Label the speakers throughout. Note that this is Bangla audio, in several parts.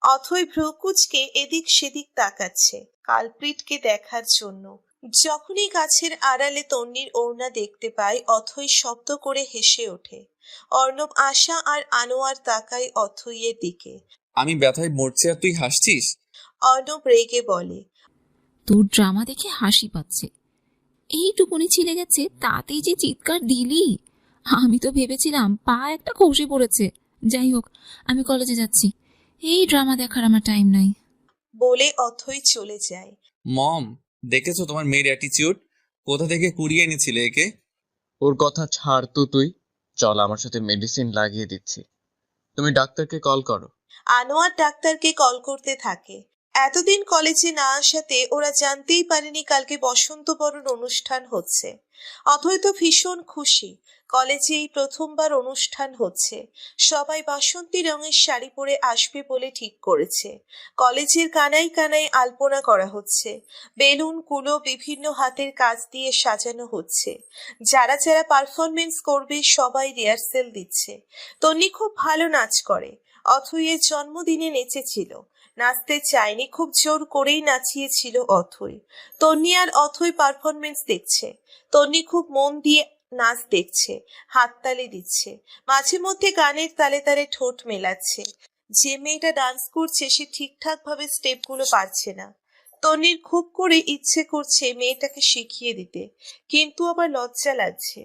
Speaker 1: অথই ভ্রুকুচকে এদিক সেদিক তাকাচ্ছে কালপ্রিটকে দেখার জন্য। যখনই গাছের আড়ালে তন্নির ওড়না দেখতে পায় অথই শব্দ করে হেসে ওঠে। অর্ণব, আশা আর আনোয়ার তাকায় অথইয়ের দিকে।
Speaker 2: আমি ব্যথায় মরছি আর তুই হাসছিস?
Speaker 1: অর্ণব রেগে বলে।
Speaker 3: তোর ড্রামা দেখে হাসি পাচ্ছে। এইটুকুনি ছিলে গেছে তাতেই যে চিৎকার দিলি! আমি তো ভেবেছিলাম পা একটা খসে পড়েছে। যাই হোক, আমি কলেজে যাচ্ছি। এই ড্রামা দেখার আমার টাইম নাই।
Speaker 1: বলে অথই চলে যায়।
Speaker 2: মম, দেখেছো তোমার মেয়ের অ্যাটিচিউড? কোথা থেকে কুড়িয়ে এনেছিলে একে?
Speaker 4: ওর কথা ছাড় তো তুই। চল, আমার সাথে মেডিসিন লাগিয়ে দিচ্ছি। তুমি ডাক্তারকে কল করো।
Speaker 1: আনোয়ার ডাক্তারকে কল করতে থাকে। এতদিন কলেজে না আসাতে ওরা জানতেই পারেনি কালকে বসন্ত বরণ অনুষ্ঠান হচ্ছে। অথই তো ভীষণ খুশি, কলেজে এই প্রথমবার অনুষ্ঠান হচ্ছে। সবাই বাসন্তী রঙের শাড়ি পরে আসবে বলে ঠিক করেছে। কলেজের কানায় কানায় আলপনা করা হচ্ছে, বেলুন কুলো বিভিন্ন হাতের কাজ দিয়ে সাজানো হচ্ছে। যারা যারা পারফরমেন্স করবে সবাই রিহার্সেল দিচ্ছে। তন্নি খুব ভালো নাচ করে, অথইয়ের জন্মদিনে নেচেছিল। নাচতে চায়নি, খুব জোর করেই নাচিয়েছিল অথই। তন্নি আর অথই পারফরমেন্স দেখছে। তন্নি খুব মন দিয়ে নাচ দেখছে, হাততালি দিচ্ছে, মাঝে মধ্যে গানের তালে তালে ঠোঁট মেলাচ্ছে। যে মেয়েটা ডান্স করছে সে ঠিকঠাক ভাবে স্টেপগুলো পারছে না। তন্নির খুব করে ইচ্ছে করছে মেয়েটাকে শিখিয়ে দিতে, কিন্তু আবার লজ্জা লাগছে।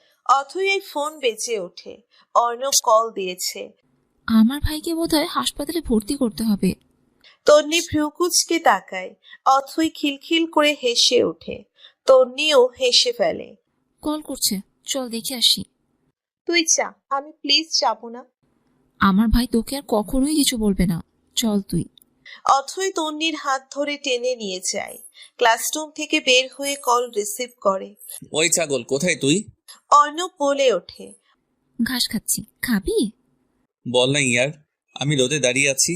Speaker 1: অথই এই ফোন বেজে ওঠে। অর্ণব কল দিয়েছে।
Speaker 3: আমার ভাইকে বোধহয় হাসপাতালে ভর্তি করতে হবে।
Speaker 1: তন্নি ভ্রুকুচকে তাকায়। অথই খিলখিল করে হেসে ওঠে। তন্নিও হেসে ফেলে।
Speaker 3: কল করছে, চল দেখে আসি।
Speaker 1: তুই যা, আমি প্লিজ যাবো না।
Speaker 3: আমার ভাই তোকে আর কখনোই কিছু বলবে না, চল তুই।
Speaker 1: অথই তন্নির হাত ধরে টেনে নিয়ে যায়। ক্লাসরুম থেকে বের হয়ে কল রিসিভ করে।
Speaker 2: ওই ছাগল, কোথায় তুই?
Speaker 1: অর্ণব বলে ওঠে।
Speaker 3: ঘাস খাচ্ছি, খাবি?
Speaker 2: বল না ইয়ার, আমি রোদে দাঁড়িয়ে আছি।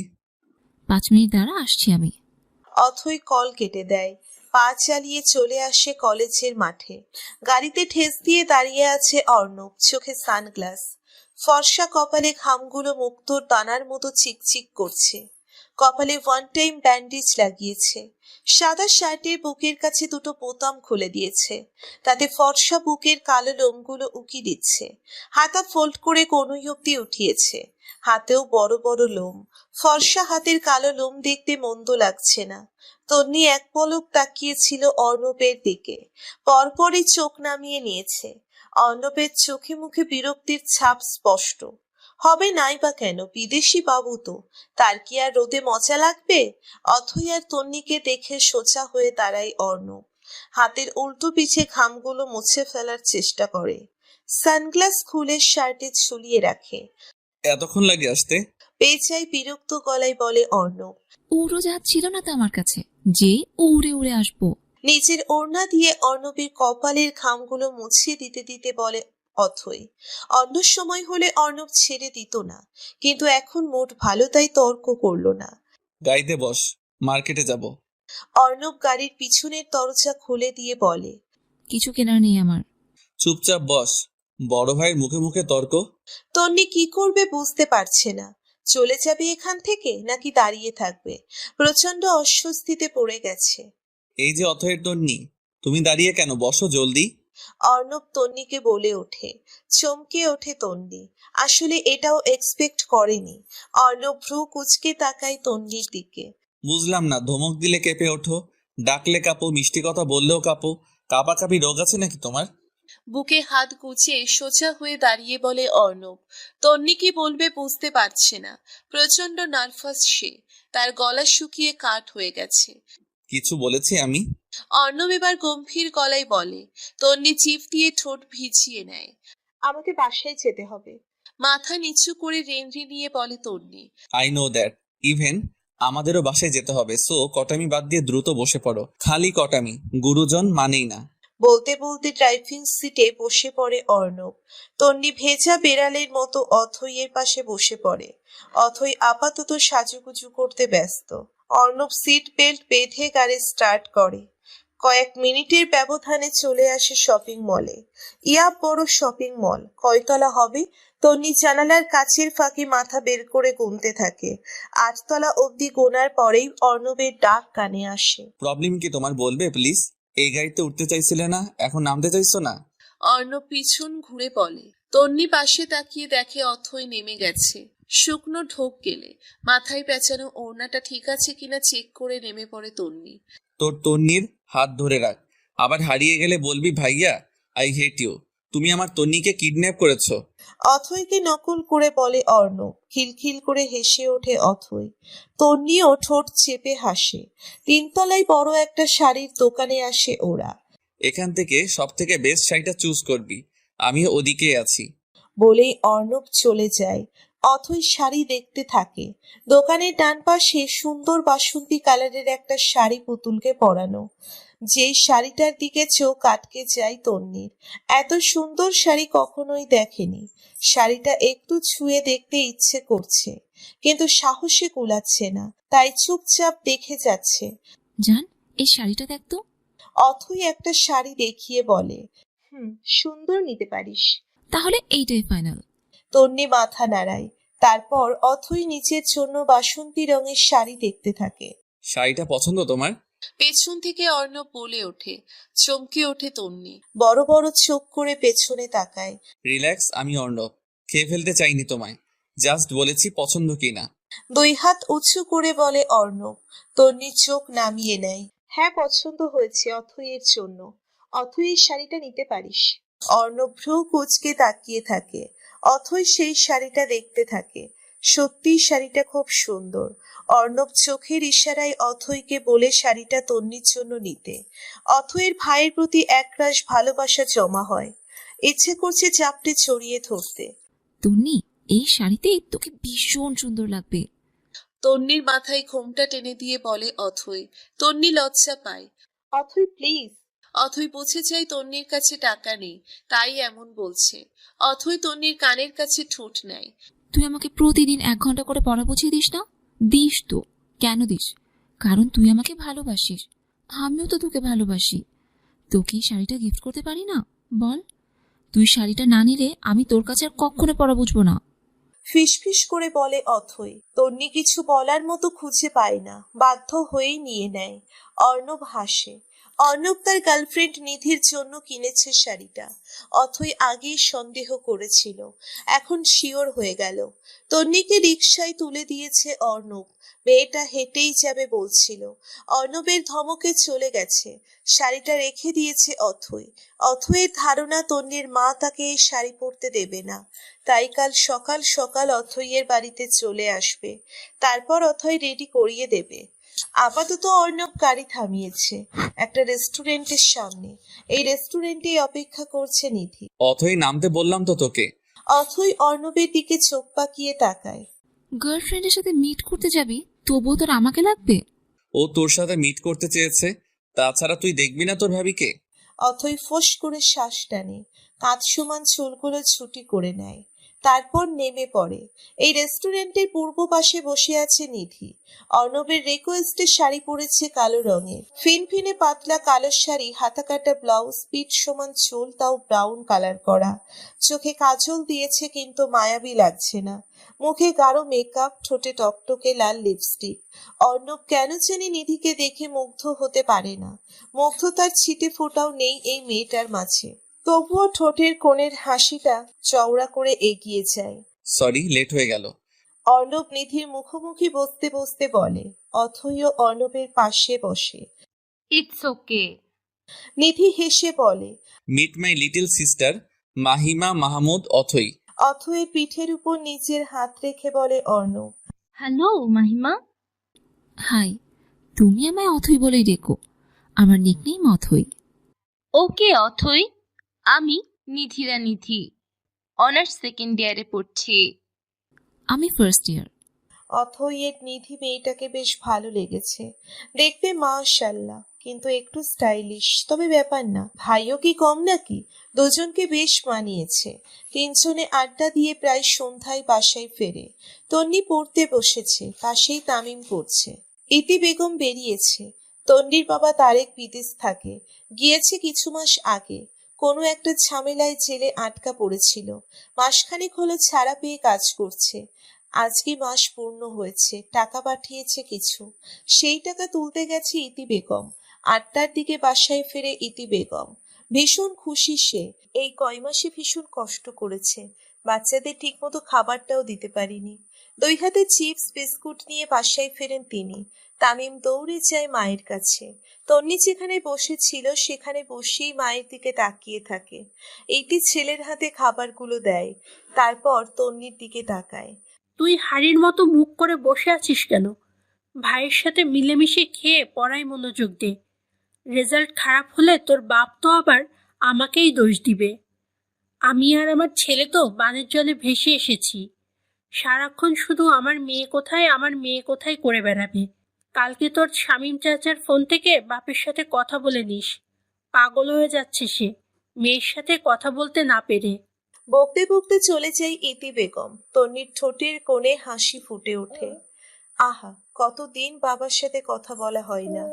Speaker 3: 5 মিনিট দাঁড়া, আসছি আমি।
Speaker 1: অথই কল কেটে দেয়। পা চালিয়ে চলে আসে কলেজের মাঠে। গাড়িতে ঠেস দিয়ে দাঁড়িয়ে আছে অর্ণব, চোখে সানগ্লাস। ফর্সা কপালে ঘামগুলো মুক্তোর দানার মতো চিকচিক করছে। কপালে ওয়ান টাইম ব্যান্ডেজ লাগিয়েছে। সাদা শার্টে বুকের কাছে দুটো বোতাম খুলে দিয়েছে, তাতে ফর্সা বুকের কালো লোমগুলো উকি দিচ্ছে। হাতা ফোল্ড করে কনুই অব্দি উঠিয়েছে, হাতেও বড় বড় লোম। ফর্সা হাতের কালো লোম দেখতে মন্দ লাগছে না। তন্নি এক পলক তাকিয়েছিল অর্ণবের দিকে, পরপরই চোখ নামিয়ে নিয়েছে। অর্ণবের চোখে মুখে বিরক্তির ছাপ স্পষ্ট। হবে নাই বা কেন, বিদেশি বাবু তো, তার কি আর রোদে মজা লাগবে? অথই আর তন্নিকে দেখে সোজা হয়ে দাঁড়ায় অর্ণব। হাতের উল্টো পিছে ঘামগুলো মুছে ফেলার চেষ্টা করে। সানগ্লাস খুলে শার্টে ঝুলিয়ে রাখে।
Speaker 2: এতক্ষণ লাগে আসতে?
Speaker 1: বেচাই বিরক্ত গলায় বলে অর্ণব।
Speaker 3: উড়োজাহাজ ছিল না তো আমার কাছে, যে উড়ে উড়ে আসবো।
Speaker 1: নিজের ওড়না দিয়ে অর্ণবের কপালের ঘামগুলো মুছিয়ে দিতে দিতে বলে অথই। অন্য সময় হলে অর্ণব ছেড়ে দিত না, কিন্তু এখন মোট ভালো তাই তর্ক করলো না।
Speaker 2: গাড়িতে বস, মার্কেটে যাব।
Speaker 1: অর্ণব গাড়ির পিছনের দরজা খুলে দিয়ে বলে।
Speaker 3: কিছু কেনার নেই আমার।
Speaker 2: চুপচাপ বস, বড় ভাইয়ের মুখে মুখে তর্ক।
Speaker 1: তন্নি কি করবে বুঝতে পারছে না। চলে যাবে এখান থেকে নাকি দাঁড়িয়ে থাকবে? প্রচন্ড অস্বস্তিতে পড়ে গেছে।
Speaker 2: এই যে অথয়ের তন্নি, তুমি দাঁড়িয়ে কেন? বসো জলদি।
Speaker 1: অর্ণব তন্নিকে বলে ওঠে। চমকে ওঠে তন্নি, আসলে এটাও এক্সপেক্ট করেনি। অর্ণব ভ্রু কুচকে তাকায় তন্নির দিকে।
Speaker 2: বুঝলাম না, ধমক দিলে কেঁপে ওঠো, ডাকলে কাঁপো, মিষ্টি কথা বললেও কাঁপো। কাঁপাকাঁপি রোগ আছে নাকি তোমার?
Speaker 1: বুকে হাত গুছিয়ে সোজা হয়ে দাঁড়িয়ে বলে অর্ণব। তন্নি কি বলবে বুঝতে পারছে না। প্রচন্ড নার্ভাস সে, তার গলা শুকিয়ে কাঠ হয়ে গেছে।
Speaker 2: কিছু বলেছি আমি?
Speaker 1: অর্ণব এবার গম্ভীর গলায় বলে। তন্নি চিপ দিয়ে ঠোঁট ভিজিয়ে নেয়। আমাকে বাসায় যেতে হবে। মাথা নিচু করে রেনরি নিয়ে বলে Tonni.
Speaker 2: I know that. Even আমাদেরও বাসায় যেতে হবে, সো কটামি বাদ দিয়ে দ্রুত বসে পড়ো। খালি কটামি, গুরুজন মানেই না।
Speaker 1: বলতে বলতে ড্রাইভিং সিটে বসে পড়ে অর্ণব। তন্নি ভেজা বেড়ালের মতো অথইয়ের পাশে বসে পড়ে। অথই আপাতত সাজুগুজু করতে ব্যস্ত। অর্ণব সিট বেল্ট বেঁধে গাড়ি স্টার্ট করে। কয়েক মিনিটের ব্যবধানে চলে আসে শপিং মলে। ইয়া বড় শপিং মল, কয়তলা হবে তন্নি জানালার কাচের ফাঁকে মাথা বের করে গুনতে থাকে। 8 তলা অবধি গোনার পরেই অর্ণবের ডাক কানে আসে।
Speaker 2: প্রবলেম কি তোমার, বলবে প্লিজ? এই গাড়িতে উঠতে চাইছিলে না, এখন নামতে চাইছো না?
Speaker 5: অর্ণব পিছন ঘুরে বলে। তন্নি পাশে তাকিয়ে দেখে অথই নেমে গেছে। শুকনো ঢোক গেলে মাথায় পেঁচানো ওড়নাটা ঠিক আছে কিনা চেক করে নেমে পড়ে তন্নি।
Speaker 2: তোর তন্নির হাত ধরে রাখ, আবার হারিয়ে গেলে বলবি ভাইয়া আই হেট ইউ। তুমি আমার তন্নিকে কিডন্যাপ করেছো।
Speaker 1: অথইকে নকল করে বলে অর্ণব। খিলখিল করে হেসে ওঠে অথই। তন্নিও ঠোঁট চেপে হাসে। 3 তলায় বড় একটা শাড়ির দোকানে আসে ওরা।
Speaker 2: এখান থেকে সব থেকে বেস্ট শাড়িটা চুজ করবি, আমি ওদিকে আছি।
Speaker 1: বলেই অর্ণব চলে যায়। অথই শাড়ি দেখতে থাকে। দোকানের ডান পাশে সুন্দর বাসন্তী কালারের একটা শাড়ি পুতুলকে পরানো। যেই শাড়িটার দিকে চোখ আটকে যায় তন্নির। এত সুন্দর শাড়ি কখনোই দেখেনি। শাড়িটা একটু ছুঁয়ে দেখতে ইচ্ছে করছে, কিন্তু সাহসে কুলাচ্ছে না, তাই চুপচাপ দেখে যাচ্ছে।
Speaker 3: জান, এই শাড়িটা দেখ তো।
Speaker 1: অথই একটা শাড়ি দেখিয়ে বলে, সুন্দর, নিতে পারিস।
Speaker 3: তাহলে এইটাই ফাইনাল।
Speaker 1: তন্নি মাথা নাড়ায়। তারপর অথই নিজের জন্য বাসন্তী রঙের শাড়ি দেখতে থাকে।
Speaker 2: শাড়িটা পছন্দ তোমার?
Speaker 5: পেছন থেকে অর্ণব বলে ওঠে। চমকে ওঠে তন্নি।
Speaker 1: বড় বড় চোখ করে পেছনে তাকায়।
Speaker 2: রিল্যাক্স, আমি অর্ণব, খেয়ে ফেলতে চাইনি তোমায়, জাস্ট বলেছি পছন্দ কিনা।
Speaker 1: 2 হাত উঁচু করে বলে অর্ণব। তন্নি চোখ নামিয়ে নেয়। হ্যাঁ, পছন্দ হয়েছে অথইয়ের জন্য। অথইয়ের শাড়িটা নিতে পারিস। অর্ণব ভ্রু কুঁচকে তাকিয়ে থাকে। অথই সেই শাড়িটা দেখতে থাকে। সত্যি শাড়িটা খুব সুন্দর। অর্ণব চোখের ইশারায় অথইকে বলে শাড়িটা তন্নির জন্য নিতে। অথইয়ের ভাইয়ের প্রতি একরাশ ভালোবাসা জমা হয়। ইচ্ছে করছে চাপটে ছড়িয়ে ধরতে।
Speaker 3: তন্নি, এই শাড়িতে তোকে ভীষণ সুন্দর লাগবে।
Speaker 5: তন্নির মাথায় ঘোমটা টেনে দিয়ে বলে অথই। তন্নি লজ্জা পায়।
Speaker 1: অথই প্লিজ।
Speaker 5: অথই বুঝে যায় তন্নির কাছে টাকা নেই, তাই এমন বলছে। অথই তন্নির কানের কাছে ঠোঁট নেয়।
Speaker 3: তুই আমাকে প্রতিদিন 1 ঘন্টা করে পড়া বুঝিয়ে দিস না? দিস তো। কেন দিস? কারণ তুই আমাকে ভালোবাসিস। আমিও তো তোকে ভালোবাসি। তোকে এই শাড়িটা গিফট করতে পারি না? বল। তুই শাড়িটা না নিলে আমি তোর কাছে আর কখনো পড়া বুঝবো না।
Speaker 1: ফিসফিস করে বলে অথই। তন্নি কিছু বলার মতো খুঁজে পায় না, বাধ্য হয়েই নিয়ে নেয়। অর্ণব হাসে। অর্ণব তার গার্লফ্রেন্ড নিধির জন্য কিনেছে শাড়িটা। অথই আগেই সন্দেহ করেছিল, এখন শিওর হয়ে গেল। তন্নিকে রিকশায় তুলে দিয়েছে অর্ণব। মেয়েটা হেঁটেই যাবে বলছিল। অর্ণবের ধমকে চলে গেছে। শাড়িটা রেখে দিয়েছে অথই। অথইয়ের ধারণা তন্নির মা তাকে এই শাড়ি পরতে দেবে না, তাই কাল সকাল সকাল অথইয়ের বাড়িতে চলে আসবে। তারপর অথই রেডি করিয়ে দেবে। আপাতত অর্ণব গাড়ি থামিয়েছে একটা রেস্টুরেন্টের সামনে। এই রেস্টুরেন্টে অপেক্ষা করছে নিধি।
Speaker 2: অথই নামতে বললাম তো তোকে।
Speaker 1: অথই অর্ণবের দিকে চোখ পাকিয়ে তাকায়।
Speaker 3: গার্লফ্রেন্ডের সাথে মিট করতে যাবি, তবুও তোর আমাকে লাগবে?
Speaker 2: ও তোর সাথে মিট করতে চেয়েছে, তাছাড়া তুই দেখবি না তোর ভাবিকে?
Speaker 1: অথই ফোঁস করে শ্বাস টানে। কাঁধ সমান চুলগুলো ছুটি করে নেয়। তারপর নেমে পড়ে। এই রেস্টুরেন্টের পূর্ব পাশে বসে আছে নিধি। অর্ণবের রিকোয়েস্টে শাড়ি পরেছে কালো রঙের। ফিনফিনে পাতলা কালো শাড়ি, হাতা কাটা ব্লাউজ, পিঠ সমান চুল, তাও ব্রাউন কালার করা। চোখে কাজল দিয়েছে কিন্তু মায়াবী লাগছে না। মুখে গাঢ় মেকআপ, ঠোঁটে টকটকে লাল লিপস্টিক। অর্ণব কেন জানি নিধিকে দেখে মুগ্ধ হতে পারে না। মুগ্ধতার ছিটে ফোঁটাও নেই এই মেয়েটার মাঝে। তবুও ঠোঁটের কোণের হাসিটা চওড়া করে এগিয়ে যায়।
Speaker 2: সরি, লেট হয়ে গেল।
Speaker 1: অর্ণব নিধির মুখোমুখি বসতে বসতে বলে। অথইও অর্ণবের পাশে বসে।
Speaker 6: It's okay.
Speaker 1: নিধি হেসে বলে।
Speaker 2: Meet my little sister Mahima Mahmud Othoi.
Speaker 1: অথইয়ের পিঠের উপর নিজের হাত রেখে বলে অর্ণব।
Speaker 6: হ্যালো মাহিমা।
Speaker 3: হাই, তুমি আমায় অথই বলেই ডেকো। আমার নিকনেম অথই।
Speaker 6: ওকে অথই, আমি নিধিরা নিধি, অনার্স সেকেন্ড ইয়ারে পড়ছি।
Speaker 3: আমি ফার্স্ট ইয়ার।
Speaker 1: অথইয়ের নিধি মেয়েটাকে বেশ ভালো লেগেছে। দেখতে মাশাআল্লাহ, কিন্তু একটু স্টাইলিশ। তবে ব্যাপার না, ভাইও কি কম নাকি? দুজনকে বেশ মানিয়েছে। 3জনে আড্ডা দিয়ে প্রায় সন্ধ্যায় বাসায় ফেরে। তন্নি পড়তে বসেছে, পাশেই তামিম পড়ছে। ইতি বেগম বেরিয়েছে। তন্নির বাবা তারেক বিদেশ থাকে, গিয়েছে কিছু মাস আগে। কোনো একটা ঝামেলায় জেলে আটকা পড়েছিল। মাসখানেক হলো ছাড়া পেয়ে কাজ করছে। আজকে মাস পূর্ণ হয়েছে, টাকা পাঠিয়েছে কিছু। সেই টাকা তুলতে গেছে ইতি বেগম। 8টার দিকে বাসায় ফেরে ইতি বেগম। ভীষণ খুশি সে। এই কয় মাসে ভীষণ কষ্ট করেছে, বাচ্চাদের ঠিকমতো খাবারটাও দিতে পারিনি। 2 হাতে চিপস বিস্কুট নিয়ে বাসায় ফেরেন তিনি। তামিম দৌড়ে যায় মায়ের কাছে। তন্নি যেখানে বসেছিল সেখানে বসেই মায়ের দিকে তাকিয়ে থাকে। এইটি ছেলের হাতে খাবারগুলো দেয়, তারপর তন্নির দিকে তাকায়।
Speaker 7: তুই হাড়ির মতো মুখ করে বসে আছিস কেন? ভাইয়ের সাথে মিলেমিশে খেয়ে পড়ায় মনোযোগ দে। রেজাল্ট খারাপ হলে তোর বাপ তো আবার আমাকেই দোষ দিবে। আমি আর আমার ছেলে তো বানের জলে ভেসে এসেছি। সারাক্ষণ শুধু আমার মেয়ে কোথায় আমার মেয়ে কোথায় করে বেড়াবে। কালকে তোর শামীম চাচার ফোন থেকে বাপের সাথে কথা বলে নিস। পাগল হয়ে যাচ্ছে সে মেয়ের সাথে কথা বলতে না পেরে।
Speaker 1: বকতে বকতে চলে যায় ইতি বেগম। তন্নির ঠোঁটের কোণে হাসি ফুটে ওঠে। আহা, কতদিন বাবার সাথে কথা বলা হয় না।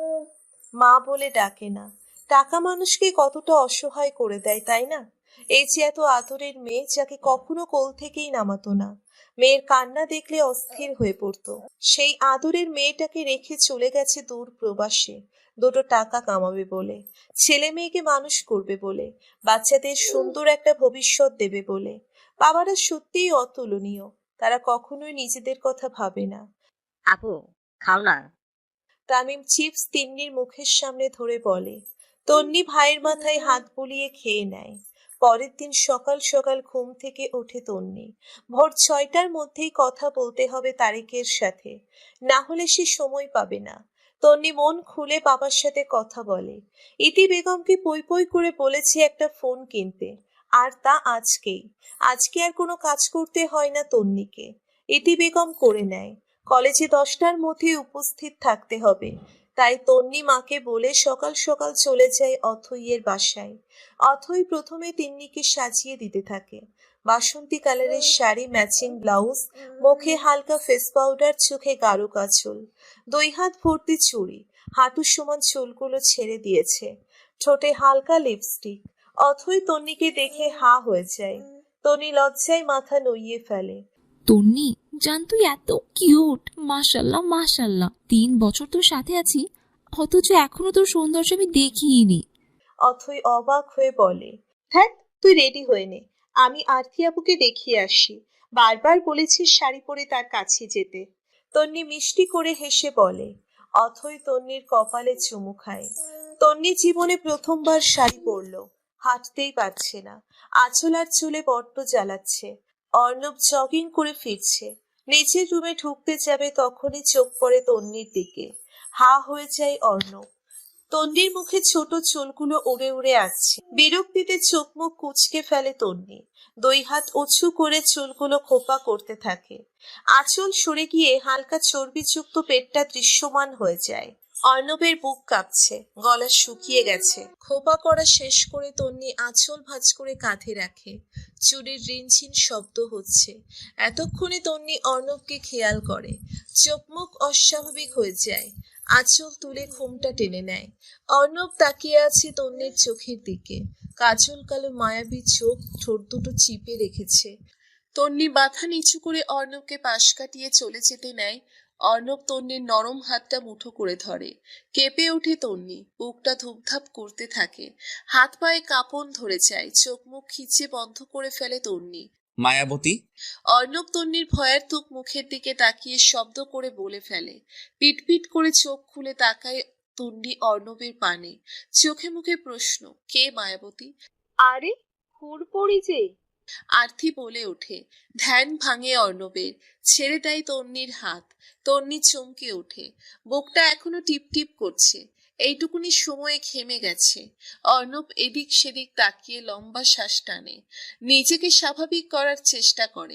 Speaker 1: মা বলে ডাকে না। টাকা মানুষকে কতটা অসহায় করে দেয়, তাই না? এই যে এত আদরের মেয়ে, যাকে কখনো কোল থেকেই নামাতো না। মেয়ের কান্না দেখলে অস্থির হয়ে পড়তো। সেই আদরের মেয়েটাকে রেখে চলে গেছে দূর প্রবাসে, 2টো টাকা কামাবে বলে, ছেলে মেয়েকে মানুষ করবে বলে, বাচ্চাদের সুন্দর একটা ভবিষ্যৎ দেবে বলে। বাবারা সত্যিই অতুলনীয়, তারা কখনোই নিজেদের কথা ভাবে না।
Speaker 8: আপু, খাও না।
Speaker 1: তামিম চিপস তিন্নির মুখের সামনে ধরে বলে। তন্নি ভাইয়ের মাথায় হাত বুলিয়ে খেয়ে নেয়। পরের দিন সকাল সকাল ঘুম থেকে ওঠে তন্নি। ভোর 6টার মধ্যেই কথা বলতে হবে তারেকের সাথে, না হলে সে সময় পাবে না। তন্নি মন খুলে বাবার সাথে কথা বলে। ইতি বেগমকে পই পই করে বলেছে একটা ফোন কিনতে, আর তা আজকেই। আজকে আর কোনো কাজ করতে হয় না তন্নিকে, ইতি বেগম করে নেয়। কলেজে 10টার মধ্যে উপস্থিত থাকতে হবে, তাই তন্নি মাকে বলে সকাল সকাল চলে যায় অথইয়ের বাসায়। অথই প্রথমে তিন্নিকে সাজিয়ে দিতে থাকে। বাসন্তী কালারের শাড়ি, ম্যাচিং ব্লাউজ, মুখে হালকা ফেস পাউডার, চোখে গাঢ় কাজল, 2 হাত ভর্তি চুড়ি, হাঁটু সমান চুলগুলো ছেড়ে দিয়েছে, ঠোঁটে হালকা লিপস্টিক। অথই তন্নিকে দেখে হা হয়ে যায়। তন্নি লজ্জায় মাথা নুইয়ে ফেলে।
Speaker 3: তন্নি জান, তুই এত কিউট, মাশাল্লাহ মাশাল্লাহ। 3 বছর তোর সাথে আছি, অথচ এখনো তোর সৌন্দর্য আমি দেখিনি।
Speaker 1: অথই অবাক হয়ে বলে, ধ্যাৎ, তুই রেডি হয়ে নে, আমি আরতি আপুকে দেখিয়ে আসি। বারবার বলেছিস শাড়ি পরে তার কাছে যেতে। তন্নি মিষ্টি করে হেসে বলে। অথই তন্নির কপালে চুমু খায়। তন্নি জীবনে প্রথমবার শাড়ি পরলো, হাঁটতেই পারছে না, আঁচল আর চুলে বড্ড জ্বালাচ্ছে। অর্ণব জগিং করে ফিরছে, নিচের রুমে ঢুকতে যাবে তখনই চোখ পড়ে তন্নির দিকে। হা হয়ে যায় অর্ণব। তন্নির মুখে ছোট চুলগুলো উড়ে উড়ে আসছে। বিরক্তিতে চোখ মুখ কুঁচকে ফেলে তন্নি। 2 হাত উঁচু করে চুলগুলো খোপা করতে থাকে। আঁচল সরে গিয়ে হালকা চর্বিযুক্ত পেটটা দৃশ্যমান হয়ে যায়। অর্ণবের বুক কাঁপছে, গলা শুকিয়ে গেছে। খোপা করা শেষ করে তন্নি আঁচল ভাঁজ করে কাঁধে রাখে। চুরির রিনঝিন শব্দ হচ্ছে। এতক্ষণে তন্নি অর্ণবকে খেয়াল করে। চোখ মুখ অস্বাভাবিক হয়ে যায়। আঁচল তুলে ঘুমটা টেনে নেয়। অর্ণব তাকিয়ে আছে তন্নির চোখের দিকে। কাজল কালো মায়াবী চোখ, ঠোঁট দুটো চিপে রেখেছে। তন্নি মাথা নিচু করে অর্ণবকে পাশ কাটিয়ে চলে যেতে নেয়। অর্ণব তন্নির নরম হাতটা মুঠো করে ধরে। কেঁপে ওঠে তন্নি, বুকটা ধুপধাপ করতে থাকে, হাত পায়ে কাঁপন ধরে যায়, চোখ মুখ খিচে বন্ধ করে ফেলে তন্নি।
Speaker 2: মায়াবতী।
Speaker 1: অর্ণব তন্নির ভয়ার্থক মুখের দিকে তাকিয়ে শব্দ করে বলে ফেলে। পিটপিট করে চোখ খুলে তাকায় তন্নি অর্ণবের পানে। চোখে মুখে প্রশ্ন, কে মায়াবতী?
Speaker 9: আরে হুড়পড়ি যে।
Speaker 1: আরতি বলে ওঠে। ধ্যান ভাঙে অর্ণবের, ছেড়ে দেয় তন্নির হাত। তন্নি চমকে ওঠে, বুকটা এখনো টিপ টিপ করছে। এইটুকুনি সময়ে ঘেমে গেছে। অর্ণব এদিক সেদিক তাকিয়ে লম্বা শ্বাস টানে, নিজেকে স্বাভাবিক করার চেষ্টা করে।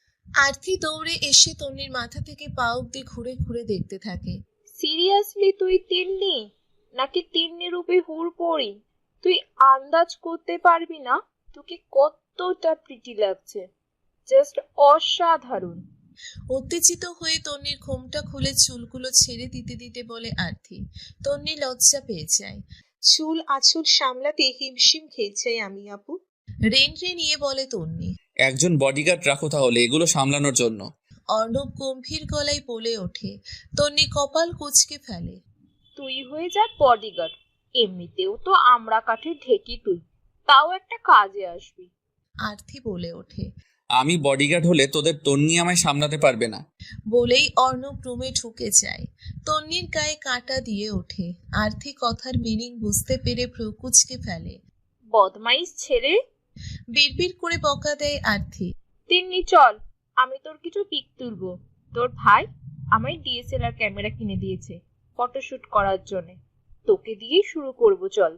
Speaker 1: আরতি দৌড়ে এসে তন্নির মাথা থেকে পা অব্দি ঘুরে ঘুরে দেখতে থাকে।
Speaker 9: সিরিয়াসলি তুই তিন্নি নাকি তিন্নি রূপে হুড়পড়ি? তুই আন্দাজ করতে পারবি না তোকে কতটা প্রিটি লাগছে, জাস্ট অসাধারণ।
Speaker 1: উত্তেজিত হয়ে তন্নির ঘোমটা খুলে চুলগুলো ছেড়ে দিতে দিতে বলে আরতি। তন্নি লজ্জা পেয়ে যায়। চুল আঁচল সামলাতে হিমশিম খেয়েছে আমি আপু। রেন্টে নিয়ে বলে তন্নি।
Speaker 2: একজন বডিগার্ড রাখো তাহলে এগুলো সামলানোর জন্য।
Speaker 1: অর্ণব গম্ভীর গলায় বলে ওঠে। তন্নি কপাল কুঁচকে ফেলে।
Speaker 9: তুই হয়ে যা বডিগার্ড, এমনিতেও তো আমরা কাঠের ঢেকি তুই, তাও একটা কাজে আসবি।
Speaker 1: আরতি বলে ওঠে।
Speaker 2: আমি বডিগার্ড হলে তোদের তন্নি আমায় সামলাতে পারবে না।
Speaker 1: বলেই অর্ণব রুমে ঢুকে যায়। তন্নির গায়ে কাঁটা দিয়ে ওঠে। আরতি কথার মিনিং বুঝতে পেরে ভ্রু কুঁচকে ফেলে।
Speaker 9: বদমাইশ ছেড়ে।
Speaker 1: বিড়বিড় করে বকা দেয় আরতি।
Speaker 9: তিন্নি চল, আমি তোর কিছু পিক তুলবো। তোর ভাই আমায় ডিএসএলআর ক্যামেরা কিনে দিয়েছে ফটোশুট করার জন্য, তোকে দিয়েই শুরু করব, চল।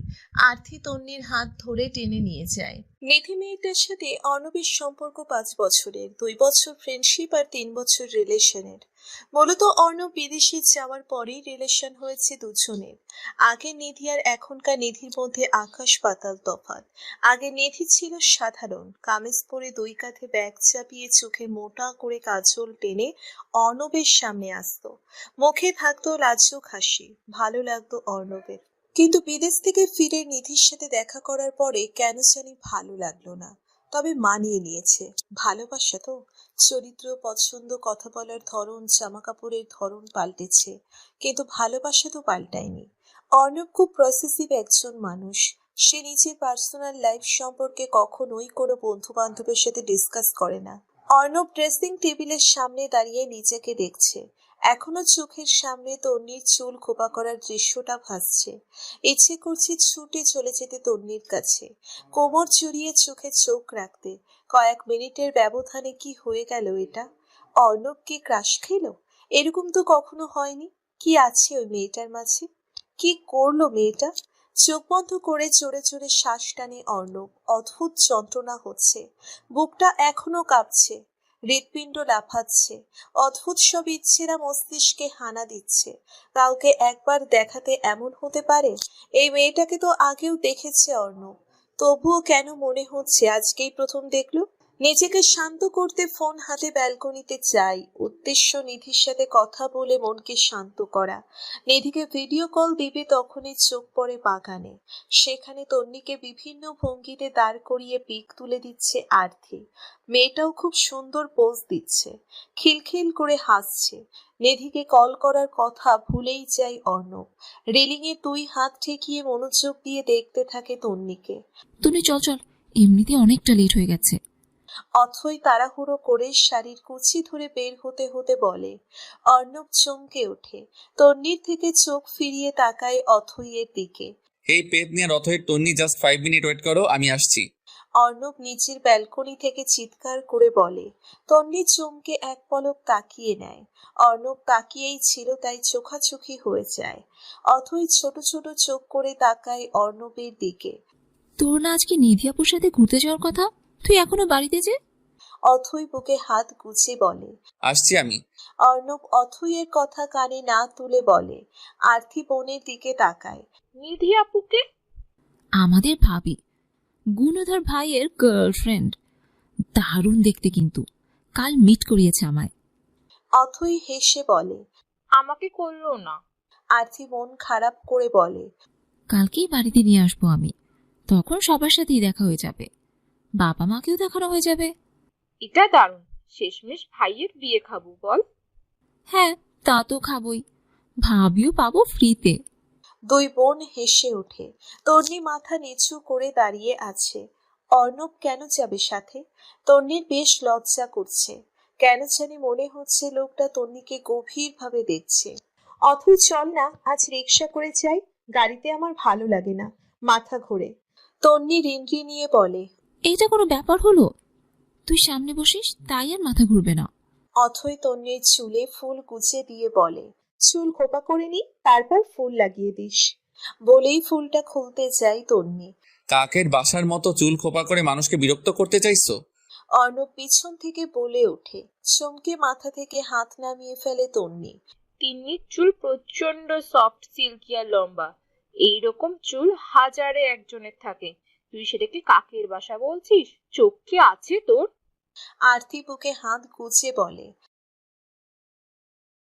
Speaker 1: আরতি তন্নির হাত ধরে টেনে নিয়ে যায়। নিধি মেয়েটার সাথে অর্ণবের সম্পর্ক 5 বছরের, 2 বছর ফ্রেন্ডশিপ আর 3 বছর রিলেশনের। মূলত অর্ণব বিদেশে যাওয়ার পরেই রিলেশন হয়েছে দুজনের। আগে নিধি আর এখনকার নিধির মধ্যে আকাশ পাতাল তফাৎ। আগে নিধি ছিল সাধারণ, কামিজ পরে 2 কাঁধে ব্যাগ চাপিয়ে চোখে মোটা করে কাজল টেনে অর্ণবের সামনে আসতো। মুখে থাকতো লাজুক হাসি, ভালো লাগতো অর্ণবের। কিন্তু বিদেশ থেকে ফিরে নিধির সাথে দেখা করার পরে কেন জানি ভালো লাগলো না। তবে মানিয়ে নিয়েছে। ভালোবাসা তো, চরিত্র, পছন্দ, কথা বলার ধরন, জামা কাপড়ের ধরন পাল্টেছে, কিন্তু ভালোবাসা তো পাল্টায়নি। অর্ণব খুব প্রসেসিভ একজন মানুষ। সে নিজের পার্সোনাল লাইফ সম্পর্কে কখনোই কোনো বন্ধু বান্ধবের সাথে ডিসকাস করে না। অর্ণব ড্রেসিং টেবিলের সামনে দাঁড়িয়ে নিজেকে দেখছে। এখনো চোখের সামনে তন্নির চুল খোপা করার দৃশ্যটা ভাসছে। ইচ্ছে করছে ছুটে চলে যেতে তন্নির কাছে, কোমর জড়িয়ে চোখে চোখ রাখতে। কয়েক মিনিটের ব্যবধানে কি হয়ে গেল এটা? অর্ণব কি ক্রাশ খেল? এরকম তো কখনো হয়নি। কি আছে ওই মেয়েটার মাঝে? কি করলো মেয়েটা? চোখ বন্ধ করে জোরে জোরে শ্বাস টানে অর্ণব। অদ্ভুত যন্ত্রণা হচ্ছে, বুকটা এখনো কাঁপছে, হৃৎপিণ্ড লাফাচ্ছে। অদ্ভুত সব ইচ্ছেরা মস্তিষ্কে হানা দিচ্ছে। কাউকে একবার দেখাতে এমন হতে পারে? এই মেয়েটাকে তো আগেও দেখেছে অর্ণব, তবুও কেন মনে হচ্ছে আজকেই প্রথম দেখলো? নিজেকে শান্ত করতে ফোন হাতে ব্যালকনিতে যাই, উদ্দেশ্য নিধির সাথে কথা বলে মনকে শান্ত করা। নিধিকে ভিডিও কল দিবে তখনই চোখ পড়ে বাগানে। সেখানে তন্নিকে বিভিন্ন ভঙ্গিতে দাঁড় করিয়ে পিক তুলে দিচ্ছে আরতি। মেয়েটাও খুব সুন্দর পোজ দিচ্ছে, খিলখিল করে হাসছে। নিধিকে কল করার কথা ভুলেই যায় অর্ণব। রেলিংয়ে 2 হাত ঠেকিয়ে মনোযোগ দিয়ে দেখতে থাকে তন্নিকে।
Speaker 3: তুমি চল চল, এমনিতে অনেকটা লেট হয়ে গেছে।
Speaker 1: অথই তাড়াহুড়ো করে শাড়ির কুচি ধরে বের হতে হতে বলে। অর্ণব চমকে ওঠে, তন্নির থেকে চোখ ফিরিয়ে তাকায় অথইয়ের দিকে।
Speaker 2: এই পেতনি আর অথয়ের তন্নি জাস্ট 5 মিনিট ওয়েট করো, আমি আসছি।
Speaker 1: অর্ণব নিচের ব্যালকনি থেকে চিৎকার করে বলে। তন্নি চমকে এক পলক তাকিয়ে নেয়। অর্ণব তাকিয়েই ছিল তাই চোখাচোখি হয়ে যায়। অথই ছোট ছোট চোখ করে তাকায় অর্ণবের দিকে।
Speaker 3: তোর না আজকে নিধি আপুর সাথে ঘুরতে যাওয়ার কথা, তুই এখনো বাড়িতে যে?
Speaker 1: অথই বুকে হাত গুজে বলে।
Speaker 2: আসছি আমি।
Speaker 1: অর্ণব অথইয়ের কথা কানে না তুলে বলে। আরতি বোনের দিকে তাকায়।
Speaker 9: নিধি আপুকে?
Speaker 3: আমাদের ভাবি, গুণধর ভাইয়ের গার্লফ্রেন্ড। দারুণ দেখতে, কিন্তু কাল মিট করিয়েছে আমায়।
Speaker 1: অথই হেসে বলে।
Speaker 9: আমাকে করলো না।
Speaker 1: আরতি মন খারাপ করে বলে।
Speaker 3: কালকেই বাড়িতে নিয়ে আসবো আমি, তখন সবার সাথেই দেখা হয়ে যাবে, বাবা মাকেও দেখানো হয়ে যাবে।
Speaker 9: এটা দারুণ, শেষমেশ ভাইয়ের বিয়ে খাবো বল।
Speaker 3: হ্যাঁ, তা তো খাবই, ভাবিও পাবো ফ্রিতে।
Speaker 1: 2 বোন হেসে ওঠে। তন্নি মাথা নিচু করে দাঁড়িয়ে আছে। অর্ণব কেন যাবে সাথে? তন্নির বেশ লজ্জা করছে। কেন জানি মনে হচ্ছে লোকটা তন্নিকে গভীরভাবে দেখছে। অথই চল না, আজ রিক্সা করে যাই, গাড়িতে আমার ভালো লাগে না, মাথা ঘোরে। তন্নি রিনরি নিয়ে বলে।
Speaker 3: এইটা কোনো ব্যাপার হলো? তুই সামনে বসিস তাই আর মাথা ঘুরবে না।
Speaker 1: অথই তন্নির চুলে ফুল গুজে দিয়ে বলে। চুল খোপা করে নি, তারপর ফুল লাগিয়ে দিস। বলেই ফুলটা খুলতে যায় তন্নি।
Speaker 2: কাকের বাসার মতো চুল খোপা করে মানুষকে বিরক্ত করতে চাইছো?
Speaker 1: অর্ণব পিছন থেকে বলে ওঠে। চমকে মাথা থেকে হাত নামিয়ে ফেলে তন্নি।
Speaker 9: তিন্নির চুল প্রচন্ড সফট, সিল্কি আর লম্বা। এইরকম চুল হাজারে একজনের থাকে, তুই সেটাকে কাকের বাসা বলছিস? চোখ কি আছে তোর?
Speaker 1: আরতি বুকে হাত গুজে বলে।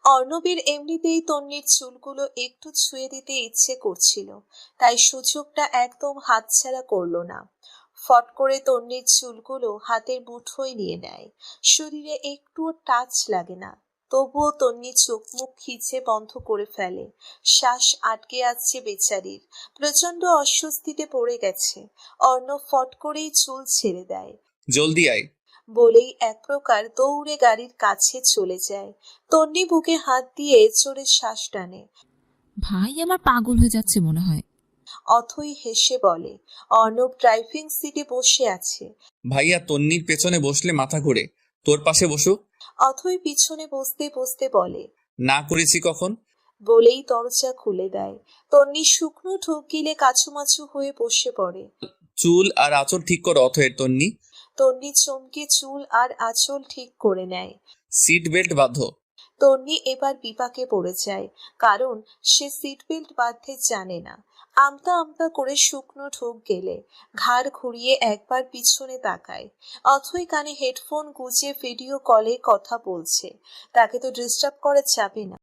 Speaker 1: অর্ণবের এমনিতেই তন্নির চুলগুলো একটু ছুঁয়ে দিতে ইচ্ছে করছিল, তাই সুযোগটা একদম হাতছাড়া করলো না। ফট করে তন্নির চুলগুলো হাতের মুঠোয় নিয়ে নেয়। শরীরে একটুও টাচ লাগে না, তবুও তন্নি চোখ মুখ খিচে বন্ধ করে ফেলে। শ্বাস আটকে আসছে বেচারির, প্রচন্ড অস্বস্তিতে পড়ে গেছে। অর্ণব ফট করেই চুল ছেড়ে দেয়।
Speaker 2: জলদি আয়।
Speaker 1: বলেই এক প্রকার দৌড়ে গাড়ির কাছে চলে যায়। তন্নি বুকে হাত দিয়ে জোরে শ্বাস টানে।
Speaker 3: ভাই আমার পাগল হয়ে যাচ্ছে মনে হয়।
Speaker 1: অথই হেসে বলে। অর্ণব ড্রাইভিং সিটে বসে আছে।
Speaker 2: ভাইয়া তন্নির পেছনে বসলে মাথা ঘুরে, তোর পাশে বসুক।
Speaker 1: অথই পিছনে বসতে বসতে বলে।
Speaker 2: না করেছি কখন?
Speaker 1: বলেই দরজা খুলে দেয়। তন্নি শুকনো ঢোক গিলে কাছুমাছু হয়ে বসে পড়ে।
Speaker 2: চুল আর আঁচল ঠিক কর অথয়ের তন্নি।
Speaker 1: তন্নি চমকে চুল আর আঁচল ঠিক করে নেয়।
Speaker 2: সিট বেল্ট বাঁধো।
Speaker 1: তন্নি এবার বিপাকে পড়ে যায়, কারণ সে সিট বেল্ট বাঁধতে জানে না। আমতা আমতা করে শুকনো ঢোক গেলে ঘাড় ঘুরিয়ে একবার পিছনে তাকায়। অথই কানে হেডফোন গুজে ভিডিও কলে কথা বলছে। তাকে তো ডিস্টার্ব করা যাবে না।